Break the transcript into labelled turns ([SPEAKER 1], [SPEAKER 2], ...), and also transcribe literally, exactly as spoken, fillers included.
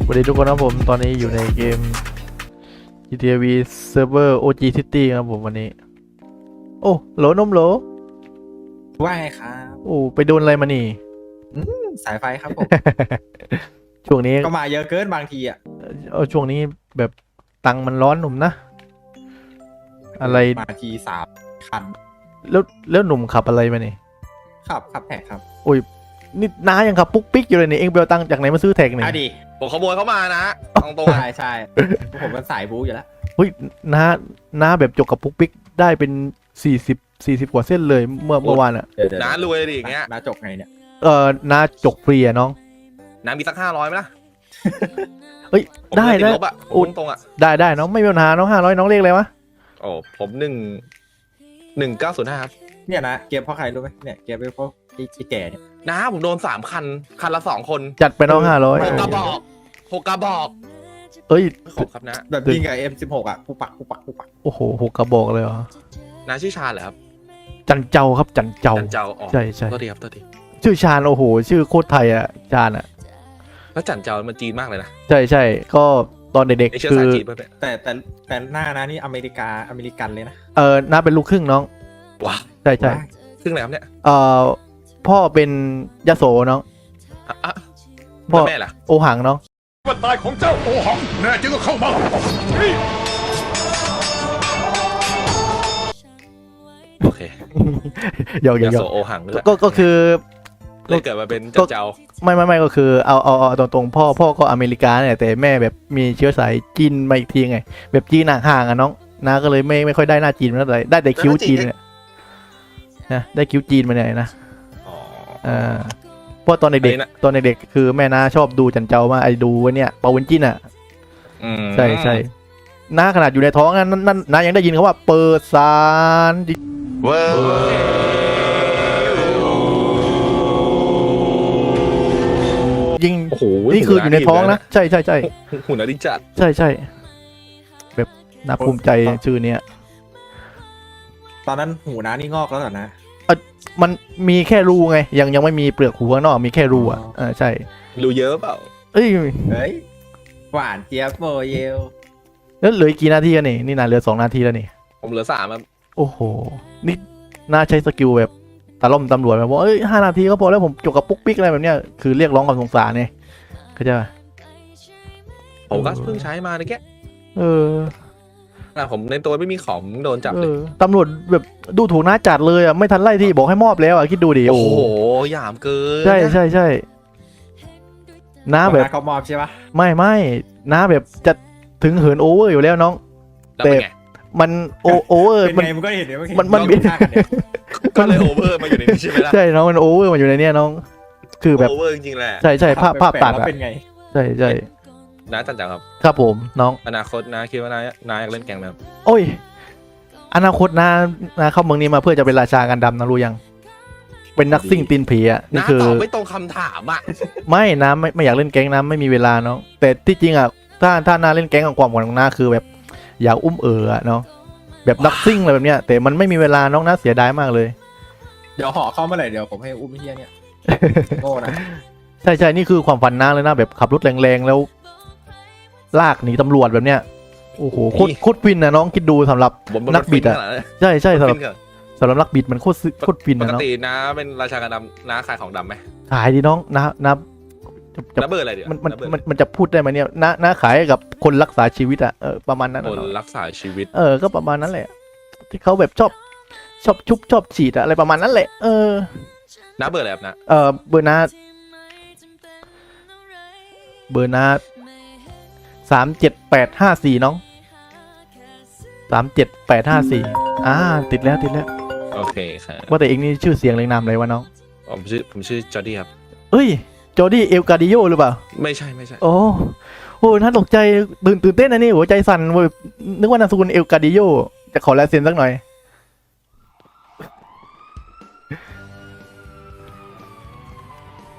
[SPEAKER 1] สวัสดีทุกคนครับผมตอนนี้อยู่ในเกม จี ที เอ วี Server โอ จี City ครับผมวันนี้โอ้โหลนมโหล
[SPEAKER 2] ว่าไงครับ
[SPEAKER 1] โอ้ไปโดนอะไรมานี่
[SPEAKER 2] อืมสายไฟครับผม
[SPEAKER 1] ช่วงนี้
[SPEAKER 2] ก็มาเยอะเกินบางทีอ่ะ
[SPEAKER 1] เออช่วงนี้แบบตังค์มันร้อนหนุ่มนะ อะไร
[SPEAKER 2] มาทีสามคัน
[SPEAKER 1] แล้วแล้วหนุ่มขับอะไรมานี่
[SPEAKER 2] ขับขับแท็กครับ
[SPEAKER 1] โอ้ยนี่น้ายังขับปุ๊กปิ๊กอยู่เลยนี่เองไปเอาตังค์จากไหนมาซื้อแท็กนี่
[SPEAKER 2] อ่ะดิ
[SPEAKER 3] ผมขโมยเขามานะตรงตรง
[SPEAKER 2] ใช่ใช่ผมเป็นสายบู๊อยู่แล้ว
[SPEAKER 1] เฮ้ยน้าน้าแบบจกกับปุ๊กปิ๊กได้เป็นสี่สิบสี่สิบกว่าเส้นเลยเมื่อเมื่อวานอ่ะ
[SPEAKER 2] เดี๋ยวเดี๋ยว
[SPEAKER 3] น้ารวยดิอย่างเงี้ย
[SPEAKER 2] น้าจบไงเนี่ย
[SPEAKER 1] เออน้าจกฟรีอะน้อง
[SPEAKER 3] น้ามีสักห้าร้อยไหมล่ะ
[SPEAKER 1] เฮ้ย
[SPEAKER 3] ผม
[SPEAKER 1] ได้
[SPEAKER 3] เลยติ
[SPEAKER 1] ได้
[SPEAKER 3] ลบอ่ะ
[SPEAKER 1] โอ้
[SPEAKER 3] ตรงตรงๆอ่ะ
[SPEAKER 1] ได้ได้น้องไม่มีปัญหาน้องห้าร้อยน้องเรียกอะไรวะ
[SPEAKER 3] โอ้ผมหนึ่งหนึ่งเก้าศูนย์ห้าครับ
[SPEAKER 2] เนี่ยนะเกมเพราะใครรู้ไหมเนี่ยเกมเพราะไอ้ไอ้แก่เนี่ย
[SPEAKER 3] น้าผมโดนสามคัน คันละสองคน
[SPEAKER 1] จัดไปน้องห้าร้อย
[SPEAKER 3] หกกระบอกหกกระบอก
[SPEAKER 1] เอ้ย
[SPEAKER 3] ขอบครับนะ
[SPEAKER 2] แบบยิงกับ เอ็ม สิบหก อ่ะปุ๊บปักปุ๊บปักปุ๊บปัก
[SPEAKER 1] โอ้โหหกกระบอกเลยเหรอ
[SPEAKER 3] น้าชื่อชาญเหรอครับ
[SPEAKER 1] จันเจ้าครับจันเจ้า
[SPEAKER 3] จันเจ้าอ๋อ
[SPEAKER 1] ใช่ใช่
[SPEAKER 3] ตัวทีครับตัวที
[SPEAKER 1] ชื่อชาญโอ้โห ชื่อโคตรไทยอ่ะชาญอ่ะ
[SPEAKER 3] แล้วจันเจ้ามันจีนมากเลยนะ
[SPEAKER 1] ใช่ใช่ก็ตอนเด็ก
[SPEAKER 3] ไอเชื้
[SPEAKER 1] ๆ
[SPEAKER 3] อ
[SPEAKER 1] คื
[SPEAKER 3] สาย
[SPEAKER 1] อ
[SPEAKER 3] จีนเพื่อน
[SPEAKER 2] แต่แต่แต่หน้านะนี่อเมริกาอเมริกันเลยนะ
[SPEAKER 1] เออน้าเป็นลูกครึ่งน้อง
[SPEAKER 3] ว้าว
[SPEAKER 1] ใช่ใช่
[SPEAKER 2] ว้าย
[SPEAKER 3] ครึ่งไหนครับเนี่ย
[SPEAKER 1] เอ่อพ่อเป็นยโสน้อง
[SPEAKER 3] อ่ะอ่ะ
[SPEAKER 1] พ่อ
[SPEAKER 3] แล้วแม่ล่ะ
[SPEAKER 1] โอหังน้อง
[SPEAKER 4] วันตายของเจ้าโอหังแน่จริงก็เข้ามานี่
[SPEAKER 3] โอเค
[SPEAKER 1] เดี๋ยวเดี๋ย
[SPEAKER 3] ยาว
[SPEAKER 1] เดี๋ย
[SPEAKER 3] โส
[SPEAKER 1] ว
[SPEAKER 3] โอหังด้วย
[SPEAKER 1] ก็ก็คือ
[SPEAKER 3] เลยเกิดมาเป็นจันเจ้า
[SPEAKER 1] ไม่ไม่ไม่ก็คือเอาเอาเอาตรงตรงๆพ่อพ่อก็อเมริกาเนี่ยแต่แม่แบบมีเชื้อสายจีนมาอีกทีไง แบบจีนห่างๆอ่ะน้องน้าก็เลยไม่ไม่ค่อยได้หน้าจีนมาเท่าไหร่ได้แต่คิ้วจีนเนี่ยนะได้คิ้วจีนมาเนี่ยนะ
[SPEAKER 3] อ๋อ
[SPEAKER 1] อ่าเพราะตอน
[SPEAKER 3] อั
[SPEAKER 1] เด็ก
[SPEAKER 3] นนี้นะ
[SPEAKER 1] ๆตอนเด็กๆคือแม่น้าชอบดูจันเจ้ามาไอ้ดูไว้เนี่ยเปาเวนจินอ่ะ
[SPEAKER 3] อืม
[SPEAKER 1] ใช่ใช่น้าขนาดอยู่ในท้องนั้นนั่นน้ายังได้ยินเขาว่าเปิดสารดิ
[SPEAKER 3] เว้ย
[SPEAKER 1] ยิง
[SPEAKER 3] โอ้โห
[SPEAKER 1] นี่คืออยู่ในท้องนะใช่ใช่ใช่
[SPEAKER 3] หุ่นอดิจัด
[SPEAKER 1] ใช่ใช่แบบน่าภูมิใจชื่อเนี้ย
[SPEAKER 2] ตอนนั้นหูน้านี่งอกแล้วเหรอนะ
[SPEAKER 1] มันมีแค่รูไงยังยังไม่มีเปลือกหูข้างนอกมีแค่รูอ่ะ
[SPEAKER 2] อ๋อ
[SPEAKER 1] เออใช่
[SPEAKER 3] รู้เยอะเปล่า
[SPEAKER 1] เอ้ย
[SPEAKER 2] เฮ้ยหวานเจี๊ยบโบเยล
[SPEAKER 1] แล้วเหลืออีกกี่นาทีกันนี่นี่นาเหลือสองนาทีแล้วนี่
[SPEAKER 3] ผมเหลือสามครับ
[SPEAKER 1] โอ้โหนี่น่าใช้สกิลแบบตะล่อมตำรวจแบบว่าเอ้ยห้านาทีก็พอแล้วผมจบกับปุ๊กปิ๊กอะไรแบบเนี้ยคือเรียกร้องความสงสารไงเข้าใจปะ
[SPEAKER 3] ผมก็เพิ่งใช้มาในแก
[SPEAKER 1] เออ
[SPEAKER 3] นะผมในตัวไม่มีของโดนจับ
[SPEAKER 1] เอ
[SPEAKER 3] เลย
[SPEAKER 1] อตำรวจแบบดูถูกน้าจัดเลยอ่ะไม่ทันไล่ที่บอกให้มอบแล้วอ่ะคิดดูดิ
[SPEAKER 3] โอ้
[SPEAKER 1] โอ้
[SPEAKER 3] โห
[SPEAKER 1] โห
[SPEAKER 3] หยามเกิน
[SPEAKER 1] ใช่ใช่ใช่น้าแบบ
[SPEAKER 2] น้าเขามอบใช่ปะ
[SPEAKER 1] ไม่ไม่น้าแบบจะถึงเหินโอเวอร์อยู่แล้วน้อง
[SPEAKER 3] แล้วเป็นไง
[SPEAKER 1] มันโอโอเวอร์
[SPEAKER 2] เป็น
[SPEAKER 1] มัน
[SPEAKER 2] ไงมันก็เห็นเนี่ย
[SPEAKER 1] มันมัน
[SPEAKER 2] บินกันเนี่ย
[SPEAKER 3] ก็เลยโอเวอร์มาอยู่ในนี้ใช่ไหมล่ะ
[SPEAKER 1] ใช่น้องมันโอเวอร์มันอยู่ในเนี้ยน้อง คือแบบ
[SPEAKER 3] โอเวอร์จริงๆแหละ
[SPEAKER 1] ใช่ใช่ภาพภาพตัด
[SPEAKER 2] แล้ว
[SPEAKER 1] อ่ะ
[SPEAKER 2] เป็นไง
[SPEAKER 1] ใช่ใช่
[SPEAKER 3] น้าจันจังครับ
[SPEAKER 1] ครับผมน้อง
[SPEAKER 3] อนาคตน้าคิดว่าน้าน้าอยากเล่นแกงไหมครับ
[SPEAKER 1] โอ้ย อนาคตนานาเข้าเมืองนี้มาเพื่อจะเป็นราชากันดำนะรู้ยัง เป็นนักซิ่งตีนผีอ่ะนี่
[SPEAKER 3] น้า
[SPEAKER 1] คือ
[SPEAKER 3] ตอบไม่ตรงคำถามอ่ะ
[SPEAKER 1] ไม่นะไม่ไม่อยากเล่นแก๊งนะไม่มีเวลาน้องแต่ที่จริงอ่ะถ้าถ้านาเล่นแก๊งของความหวังของนาคือแบบ อยากอุ้มเอ๋ออะเนาะแบบนักซิ่งอะไรแบบเนี้ยแต่มันไม่มีเวลาน้องน่าเสียดายมากเลย
[SPEAKER 2] เดี๋ยวห่อเข้าเมื่อไหร่เดี๋ยวผมให้อุ้มไอ้เฮียเนี่ยโง่นะ
[SPEAKER 1] ใช่ใช่นี่คือความฝันนาเลยนะแบบขับรถแรงๆแล้ว ลากหนีตำรวจแบบเนี้ยโอ้โหโคตรโคตรฟินนะน้องคิดดูสำหรับ
[SPEAKER 3] ผม
[SPEAKER 1] นักบิดอะ ใช่ใช่สำหรับ
[SPEAKER 3] ฟินเหรอ
[SPEAKER 1] สำหรับนักบิดมันโคตรซึโคตรฟิน
[SPEAKER 3] ป
[SPEAKER 1] นะ
[SPEAKER 3] ก
[SPEAKER 1] เนาะ
[SPEAKER 3] ติน้าเป็นราชากันดำน้าขายของดำไหม
[SPEAKER 1] ขายดีน้องนะนะจะจะ
[SPEAKER 3] น้าเบอร์อะไรเดี๋ยว
[SPEAKER 1] มันมัน
[SPEAKER 3] น้าเบอร์
[SPEAKER 1] มันมันจะพูดได้ไหมเนี่ยนะนะขายให้กับคนรักษาชีวิตอะเออประมาณนั้น
[SPEAKER 3] ค
[SPEAKER 1] อะ
[SPEAKER 3] น
[SPEAKER 1] เนาะ
[SPEAKER 3] รักษาชีวิต
[SPEAKER 1] เออก็ประมาณนั้นแหละ ที่เขาแบบชอบชอบชุบชอบฉีดอะอะไรประมาณนั้นแหละเออ
[SPEAKER 3] น้าเบอร์อะไรครับน้า
[SPEAKER 1] เออเบอร์นาเบอร์นาสามเจ็ดแปดห้าสี่น้องสามเจ็ดแปดห้าสี่อ่าติดแล้วติดแล้ว
[SPEAKER 3] โอเคครับ
[SPEAKER 1] ว่าแต่เองนี่ชื่อเสียงเรียงนามอะไรวะน้อง
[SPEAKER 3] ผมชื่อผมชื่อจอร์ดี้ครับ
[SPEAKER 1] เอ้ยจอร์ดี้เอลกาดิโยหรือเปล่า
[SPEAKER 3] ไม่ใช่ไม่ใช่
[SPEAKER 1] โอ้โหน่าตกใจตื่นตื่นเต้นนะนี่หัวใจสั่นเว้ยนึกว่านามสกุลเอลกาดิโยจะขอลายเซ็นสักหน่อย